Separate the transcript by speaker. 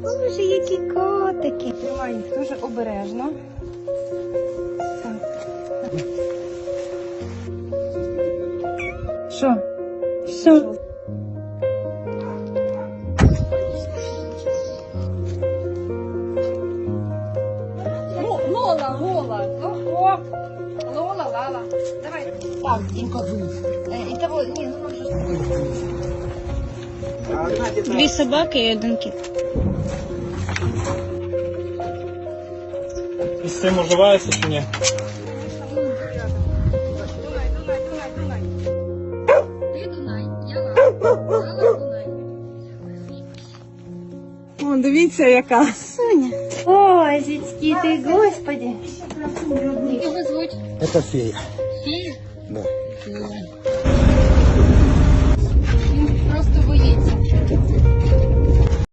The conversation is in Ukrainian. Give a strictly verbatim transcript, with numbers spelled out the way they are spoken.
Speaker 1: Боже, які котики. Тримай їх дуже обережно. Так. Що? Що? Лола, Лола. Ого. Лола, Лала. Давай. Так, Дінко. І того, ні, ну може.
Speaker 2: Дві собаки і один кіт.
Speaker 3: І з цим уживається чи ні?
Speaker 1: Дунай, Дунай, Дунай, Дунай. Ти Дунай, я Лала. Лала, Дунай.
Speaker 4: О, дивіться, яка.
Speaker 1: Соня. Ой, зітьки ти, господи.
Speaker 2: Його звуть
Speaker 5: Это фея.